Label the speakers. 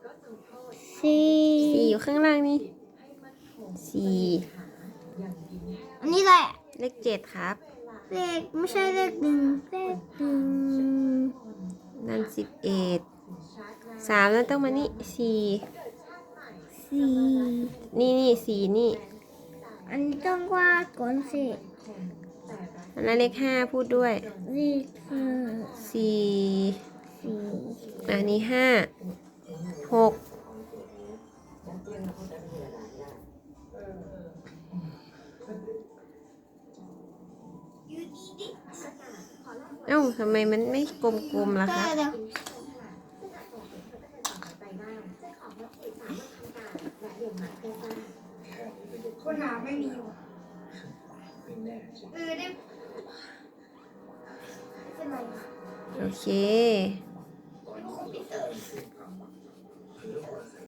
Speaker 1: 4อยู่ข้างล่างนี่4
Speaker 2: อันนี้แหละ
Speaker 1: เลข7ครับ
Speaker 2: เลขไม่ใช่เลข1เลข
Speaker 1: นั่น11 3แล้วต้องมานี่
Speaker 2: 4
Speaker 1: นี่4นี่
Speaker 2: อันนี้ต้องวาดก่อนสิ
Speaker 1: อันนั้นเลข5พูดด้วย
Speaker 2: เลข
Speaker 1: 4อันนี้5 6เอ้าทำไมมันไม่กลมๆล่ะคะ
Speaker 2: คนหาไม่มีได้เป็นไร
Speaker 1: โอเค